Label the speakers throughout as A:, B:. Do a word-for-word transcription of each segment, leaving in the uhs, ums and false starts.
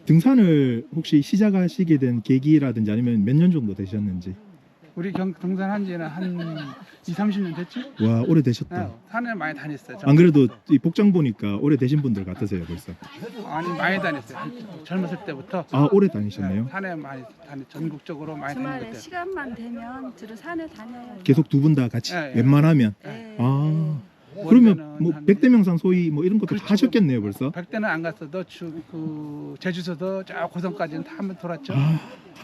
A: 등산을 혹시 시작하시게 된 계기라든지 아니면 몇 년 정도 되셨는지?
B: 우리 경 등산한 지는 한 이, 삼십 년 됐지?
A: 와, 오래 되셨다.
B: 네, 산에 많이 다녔어요.
A: 안 그래도 이 복장 보니까 오래 되신 분들 같으세요, 벌써.
B: 아니 많이 다녔어요. 한- 젊었을 때부터.
A: 아, 오래
B: 네,
A: 다니셨네요.
B: 산에 많이 다니 전국적으로 많이
C: 주말에
B: 다녔어요.
C: 시간만 되면 주로 산에 다녀요.
A: 계속 두 분 다 같이
B: 예, 예.
A: 웬만하면.
C: 예,
A: 아,
C: 예.
A: 그러면 뭐 백대명산 소위 뭐 이런 것도 다
B: 그렇죠.
A: 하셨겠네요, 벌써.
B: 백대는 안 갔어도 주, 그 제주도도 저 고성까지는 다 한번 돌았죠.
A: 아,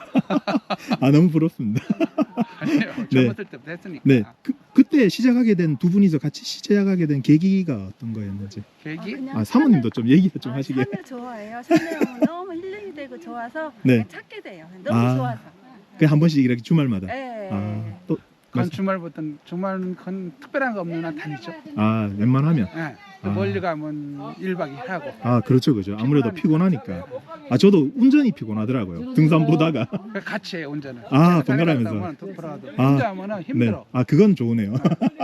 A: 아 너무 부럽습니다.
B: 아니요, 젊었을 때부터 했으니까.
A: 네, 그, 그때 시작하게 된 두 분이서 같이 시작하게 된 계기가 어떤 거였는지.
B: 계기?
C: 그냥
A: 아, 사모님도 좀 얘기 좀
C: 산을,
A: 하시게.
C: 아, 산을 좋아해요. 산에 오면 너무 힐링이 되고 좋아서
A: 네.
C: 그냥 찾게 돼요. 너무
A: 아.
C: 좋아서.
A: 그 한 번씩 이렇게 주말마다.
C: 예.
A: 아, 또
B: 그건 주말부터는 주말은 그건 특별한 거 없는 한 다니죠.
A: 아, 웬만하면.
B: 예.
A: 아.
B: 멀리 가면 일 박 이 일 하고.
A: 아, 그렇죠, 그죠. 아무래도 피곤하니까. 아, 저도 운전이 피곤하더라고요. 등산 보다가.
B: 그래서 같이 해요, 운전을.
A: 아,
B: 제가 산에
A: 번갈아가면서.
B: 갔다 오면 또 돌아가도.
A: 아.
B: 혼자 하면은 힘들어.
A: 네. 아, 그건 좋으네요.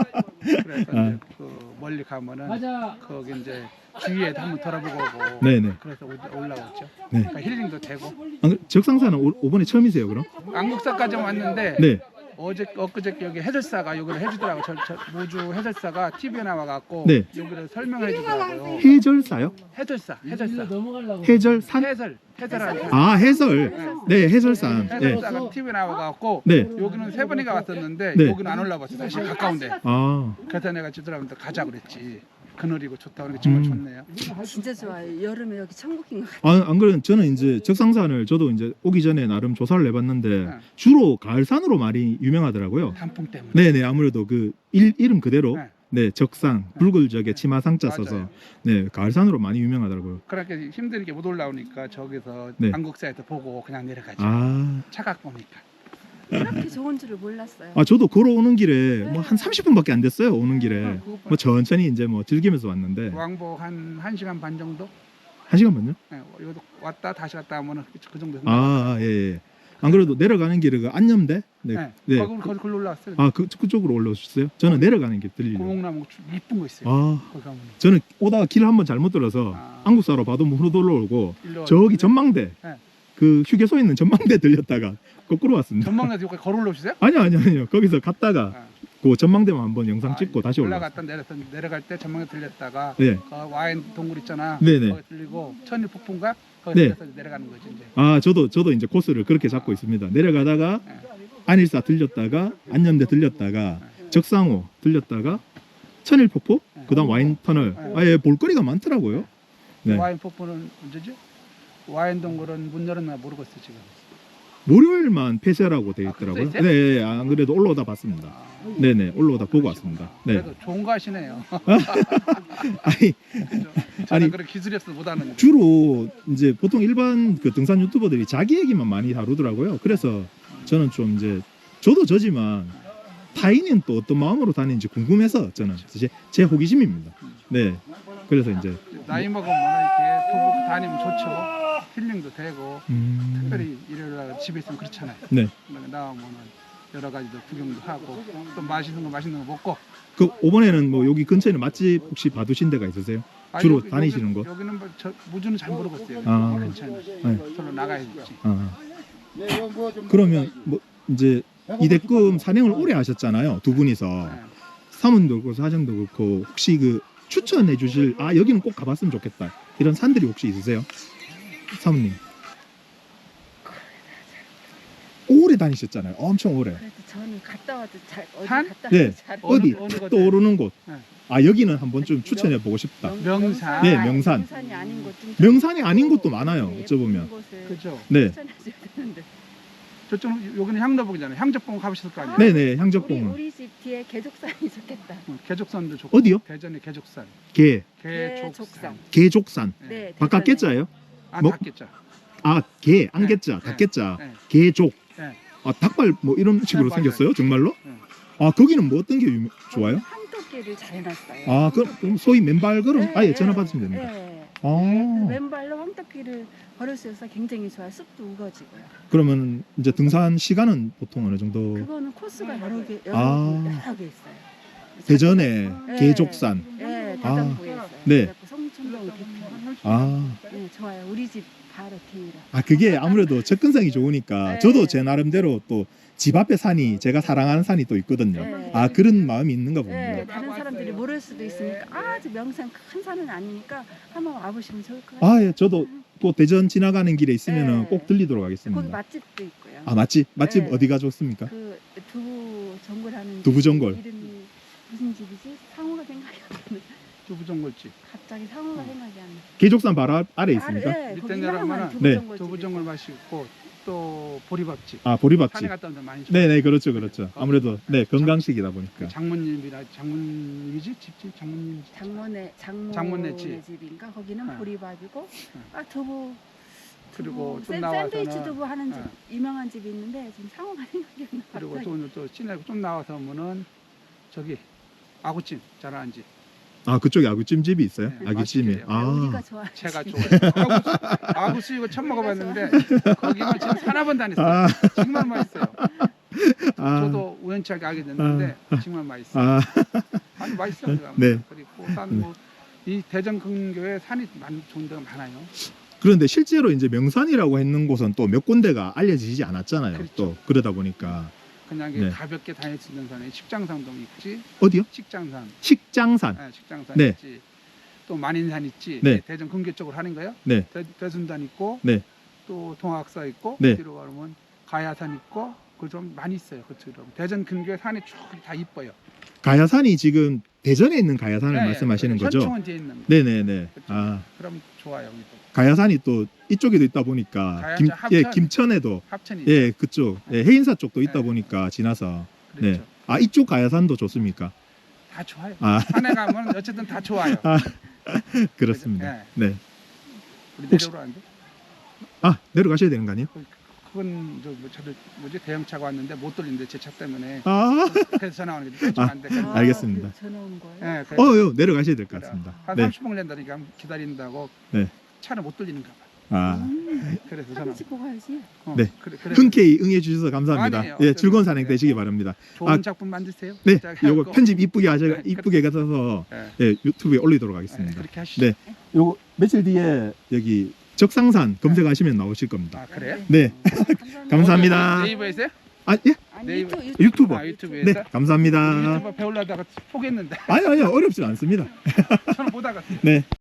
B: 그래서
A: 아.
B: 이제 그 멀리 가면은 거기 이제 주위에도 한번 돌아보고 오고.
A: 네네.
B: 그래서 올- 올라왔죠.
A: 네.
B: 그러니까 힐링도 되고.
A: 아, 그 적상사는 오, 이번에 처음이세요, 그럼?
B: 안국사까지 왔는데
A: 네.
B: 어제 엊그저께 여기 해설사가 여기를 해주더라고. 저, 저 모주 해설사가 티비에 나와갖고
A: 네.
B: 여기를 설명해 주더라고요.
A: 해절사요?
B: 해설사, 해설사.
A: 해절산?
B: 해설, 해설하는
A: 아, 해설. 네, 해설산. 네.
B: 해설사가 티비에 나와갖고
A: 네.
B: 여기는 세 번이가 왔었는데
A: 네.
B: 여기는 안 올라봤어. 사실 가까운데.
A: 아,
B: 그래서 내가 지들한테 가자 그랬지. 그늘이고 좋다. 그러니까 정말
A: 음.
B: 좋네요.
C: 진짜 좋아요. 여름에 여기 천국인 것 같아요.
A: 아, 안 그래도 저는 이제 적상산을 저도 이제 오기 전에 나름 조사를 해봤는데
B: 네.
A: 주로 가을산으로 많이 유명하더라고요.
B: 단풍 때문에.
A: 네네, 아무래도 그 일, 이름 그대로
B: 네.
A: 네, 적상, 붉을적에 치마상자
B: 맞아요.
A: 써서 네, 가을산으로 많이 유명하더라고요.
B: 그렇게 힘들게 못 올라오니까 저기서
A: 네.
B: 안국사에서 보고 그냥 내려가죠.
A: 아,
B: 차가 보니까.
C: 이렇게 좋은 줄을 몰랐어요.
A: 아 저도 걸어오는 길에 뭐 한 삼십 분밖에 안 됐어요. 오는 길에
B: 그것보다
A: 뭐 천천히 이제 뭐 즐기면서 왔는데
B: 왕복 한 1시간 반 정도?
A: 한 시간만요?
B: 네, 여기 왔다 다시 갔다 하면은 그- 그 정도.
A: 아, 예, 예. 안 그래도 내려가는 길에 그 안염대? 네.
B: 네.
A: 네.
B: 거기 거기 걸로 올라왔어요.
A: 아, 그 그쪽으로 올라오셨어요? 저는 내려가는 길 들리려고.
B: 고목나무 주- 이쁜 거 있어요.
A: 아,
B: 거기 가면.
A: 저는 오다가 길 한번 잘못 들어서
B: 아.
A: 안국사로 봐도 못 올라오고
B: 일로
A: 저기
B: 왔는데
A: 전망대
B: 네.
A: 그 휴게소 있는 전망대 들렸다가 거꾸로 왔습니다.
B: 전망대에서 여기 걸어 올라오시세요?
A: 아니요, 아니요, 아니요. 거기서 갔다가
B: 아.
A: 그 전망대만 한번 영상 찍고
B: 아,
A: 다시 올라왔어요.
B: 올라갔다 내려서 내려갈 때 전망대 들렸다가
A: 네.
B: 그 와인 동굴 있잖아.
A: 네네.
B: 거기 들리고 천일 폭풍가 거기
A: 네.
B: 들려서 내려가는 거지 이제.
A: 아, 저도 저도 이제 코스를 그렇게 잡고 있습니다. 내려가다가
B: 네.
A: 안일사 들렸다가 안염대 들렸다가 적상호 들렸다가 천일폭포
B: 네.
A: 그다음 와인 터널. 아예 볼거리가 많더라고요. 네.
B: 와인 폭포는 언제지? 와인 동굴은 문 열었나 모르겠어 지금.
A: 월요일만 폐쇄라고 되어
B: 아,
A: 있더라고요.
B: 그랬어요?
A: 네, 네, 안 그래도 올라오다 봤습니다.
B: 아,
A: 네, 네, 올라오다 보고 왔습니다. 네.
B: 그래도 좋은 거 하시네요.
A: 아니
B: 저는
A: 아니,
B: 그런 기술이 없어서 못 하는 거.
A: 주로 이제 보통 일반 그 등산 유튜버들이 자기 얘기만 많이 다루더라고요. 그래서 저는 좀 이제 저도 저지만 타인은 또 어떤 마음으로 다니는지 궁금해서 저는 제, 제 호기심입니다. 네, 그래서 이제
B: 나이 먹으면 이렇게 도보 다니면 좋죠. 힐링도 되고
A: 음,
B: 특별히 일요일 날 집에 있으면 그렇잖아요.
A: 네.
B: 나오면은 여러 가지도 구경도 하고 또 맛있는 거 맛있는 거 먹고.
A: 그 이번에는 뭐 여기 근처에는 맛집 혹시 봐두신 데가 있으세요?
B: 아,
A: 주로
B: 여기-
A: 다니시는
B: 여기,
A: 곳?
B: 여기는 뭐 저, 무주는 잘 모르겠어요. 여기
A: 아.
B: 근처는
A: 네.
B: 저로 나가야 되지.
A: 아. 그러면 뭐 이제 이대금 산행을 오래 하셨잖아요. 두 분이서
B: 네.
A: 사문도 그렇고 사정도 그렇고 혹시 그 추천해 주실 아 여기는 꼭 가봤으면 좋겠다 이런 산들이 혹시 있으세요? 사모님 오래 다니셨잖아요. 엄청 오래.
C: 그래도 저는 갔다 와도 잘 어디
B: 산?
C: 갔다
A: 네.
C: 와도 잘
B: 어느-
A: 어디
B: 어느
A: 탁
B: 곳에?
A: 떠오르는 곳.
B: 네.
A: 아 여기는 한번 좀 추천해 보고 싶다.
C: 명-
B: 명산.
A: 네, 명산.
C: 명산이 아닌 곳좀
A: 명산이 아닌 곳도 많아요. 어쩌보면.
B: 그죠.
A: 네,
C: 추천해줘야 되는데.
B: 저쪽 여기는 향로봉이잖아요. 향적봉 가보셨을 거 아니에요.
A: 네, 네.
C: 우리,
A: 향적봉.
C: 우리 집 뒤에 개족산이 좋겠다.
B: 어, 개족산도 좋고.
A: 어디요?
B: 대전의 개족산.
A: 개,
B: 개족산.
C: 개족산.
A: 개족산.
B: 네.
C: 네.
A: 바깥
C: 대전에.
A: 개자예요?
B: 아,
A: 뭐-
B: 닭겠죠.
A: 아, 개, 안개자,
B: 네.
A: 닭개자,
B: 네.
A: 개족.
B: 네.
A: 아, 닭발 뭐 이런 식으로
B: 네,
A: 생겼어요? 정말로?
B: 네.
A: 아, 거기는 뭐 어떤 게 유명, 좋아요?
C: 황토끼를 잘 해놨어요.
A: 아, 그럼 그럼 소위 맨발 걸음
C: 네,
A: 아예
C: 네,
A: 전화 받으면 됩니다.
C: 네. 그
A: 아,
C: 맨발로 황토끼를 걸을 수 있어서 굉장히 좋아요. 숲도 우거지고요.
A: 그러면 이제 등산 시간은 보통 어느 정도?
C: 그거는 코스가 여러 개 여러,
A: 아.
C: 여러 개 있어요.
A: 대전에
C: 네.
A: 개족산.
C: 네,
A: 아,
C: 대전부에 있어요.
A: 네.
C: 그래갖고 성촌동 비트.
A: 아,
C: 네, 좋아요. 우리 집 바로 뒤로.
A: 아 그게 아무래도 접근성이 좋으니까
C: 네.
A: 저도 제 나름대로 또 집 앞에 산이 제가 사랑하는 산이 또 있거든요.
C: 네.
A: 아 그런 마음이 있는가 봅니다.
C: 네, 다른 사람들이 모를 수도 있으니까 아저 명산 큰 산은 아니니까 한번 와보시면 좋을 것 같아요.
A: 아 예, 저도 또 대전 지나가는 길에 있으면은
C: 네.
A: 꼭 들리도록
C: 거기
A: 하겠습니다.
C: 맛집도 있고요.
A: 아 맛집 맛집
C: 네.
A: 어디가 좋습니까?
C: 그 두부 전골하는
A: 두부
C: 집
A: 전골.
C: 이름이 무슨 집이지? 상호가 생각이 안 나네.
B: 두부전골집.
C: 갑자기 상호가 생각이 안 나.
A: 계족산 바로 아- 아래 있습니까?
C: 네,
B: 밑에
C: 거기
B: 내려가면은
C: 유명한
A: 네.
C: 두부 전골.
B: 두부전골 맛있고 또 보리밥집.
A: 아
B: 산에
A: 보리밥집.
B: 갔다 오면 많이 좋아요.
A: 네네 그렇죠 그렇죠. 아무래도 네 건강식이다 보니까.
B: 장모님이라 장모님이지 집집 장모님 집.
C: 장모네 장모네
B: 장모네 집.
C: 집인가 거기는
B: 어.
C: 보리밥이고
B: 어.
C: 아 두부
B: 그리고
C: 두부,
B: 좀
C: 샌-
B: 나와서는
C: 샌드위치 두부 하는 집
B: 어.
C: 유명한 집이 있는데 지금 상호가 생각이 안 나.
B: 그리고
C: 갑자기.
B: 또, 또 시내고 좀 나와서 보면은 저기 아구찜 잘하는 집.
A: 아 그쪽에 아구찜집이 있어요?
B: 네,
A: 아구찜이.
B: 맛있게
C: 아, 우리가
A: 아.
C: 좋아.
B: 제가 좋아해요. 아구, 아구수 이거 처음 먹어봤는데 거기만 지금 사나 번 다녔어요.
A: 아,
B: 정말 맛있어요.
A: 아,
B: 저도 우연찮게 알게 됐는데 정말 맛있어요.
A: 아,
B: 아주 맛있어요.
A: 네.
B: 그리고 산뭐이 대전 근교에 산이 많이 좋은 데가 많아요.
A: 그런데 실제로 이제 명산이라고 했는 곳은 또 몇 군데가 알려지지 않았잖아요.
B: 그렇죠.
A: 또 그러다 보니까
B: 그냥
A: 네.
B: 가볍게 다닐 수 있는 산에 식장산도 있지.
A: 어디요?
B: 식장산.
A: 식장산.
B: 네, 식장산
A: 네.
B: 있지. 또 만인산 있지.
A: 네.
B: 대전 근교 쪽으로 하는 거예요.
A: 네.
B: 대, 대순단 있고
A: 네.
B: 또 동학사 있고
A: 네.
B: 뒤로 가면 가야산 있고 그 좀 많이 있어요. 그쪽으로. 대전 근교에 산이 쭉 다 이뻐요.
A: 가야산이 지금 대전에 있는 가야산을
B: 네,
A: 말씀하시는
B: 그
A: 거죠?
B: 현충원 뒤에 있는 거.
A: 네네네.
B: 그쪽.
A: 아
B: 그럼 좋아요. 여기도.
A: 가야산이 또 이쪽에도 있다 보니까
B: 가야산
A: 김, 예,
B: 합천.
A: 김천에도
B: 합천이
A: 예 그쪽 예, 해인사 쪽도 있다
B: 네.
A: 보니까 지나서
B: 그렇죠.
A: 네. 아 이쪽 가야산도 좋습니까?
B: 다 좋아요.
A: 아
B: 산에 가면 어쨌든 다 좋아요.
A: 아, 그렇습니다. 네.
B: 우리
A: 혹시-
B: 내려오라는데.
A: 아 내려가셔야 되는 거 아니에요?
B: 그건 저 뭐, 저를 뭐지 대형차가 왔는데 못 돌리는데 제 차 때문에
A: 아,
B: 그래서 전화 오는 게 좀 안 돼.
A: 아, 알겠습니다.
C: 그 전화 온 거예요?
B: 네, 그래서
A: 어요 내려가셔야 될 것 같습니다.
B: 한
A: 네.
B: 삼십 분 걸린다니까 기다린다고
A: 네.
B: 차를 못 돌리는가 봐.
A: 아
C: 음,
B: 그래서 전화.
C: 사진 찍고 가야지.
B: 어,
A: 네.
B: 그래, 그래.
A: 흔쾌히 응해 주셔서 감사합니다.
B: 아니에요.
A: 예, 즐거운 산행
B: 네.
A: 되시기 바랍니다.
B: 좋은
A: 아,
B: 작품 만드세요.
A: 네,
B: 자,
A: 요거
B: 해갖고.
A: 편집 이쁘게 하셔
B: 네,
A: 이쁘게 가서
B: 네.
A: 예, 유튜브에 올리도록
B: 네,
A: 하겠습니다.
B: 그렇게 하시죠.
A: 네. 요거 며칠 뒤에 여기 적상산 검색하시면 나오실 겁니다.
B: 아 그래요?
A: 네.
C: 감사합니다.
A: 감사합니다.
B: 네이버에서?
A: 아, 예?
C: 아니,
B: 네이버-
C: 유튜브,
A: 유튜버.
B: 아, 유튜브에서?
A: 네, 감사합니다.
B: 유튜브 배우려다가 포기했는데
A: 아니, 아니요, 어렵진 않습니다.
B: 저는 못 하겠어요.
A: 네.